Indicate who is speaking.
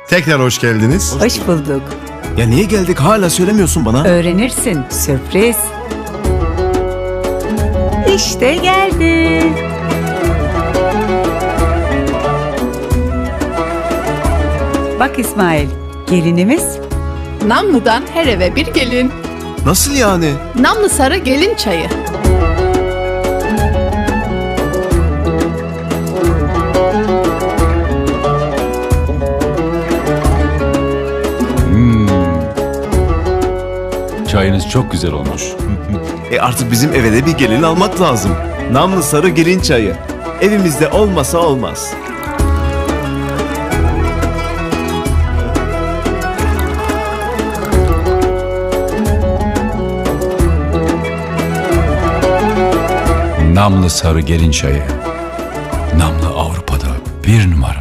Speaker 1: Tekrar hoş geldiniz.
Speaker 2: Hoş bulduk.
Speaker 3: Ya niye geldik hala söylemiyorsun bana?
Speaker 2: Öğrenirsin. Sürpriz. İşte geldi. Bak İsmail, gelinimiz.
Speaker 4: Namlı'dan her eve bir gelin.
Speaker 3: Nasıl yani?
Speaker 4: Namlı sarı gelin çayı.
Speaker 5: Çayınız çok güzel olmuş.
Speaker 3: Artık bizim eve de bir gelin almak lazım. Namlı sarı gelin çayı. Evimizde olmasa olmaz.
Speaker 5: Namlı sarı gelin çayı. Namlı Avrupa'da 1 numara.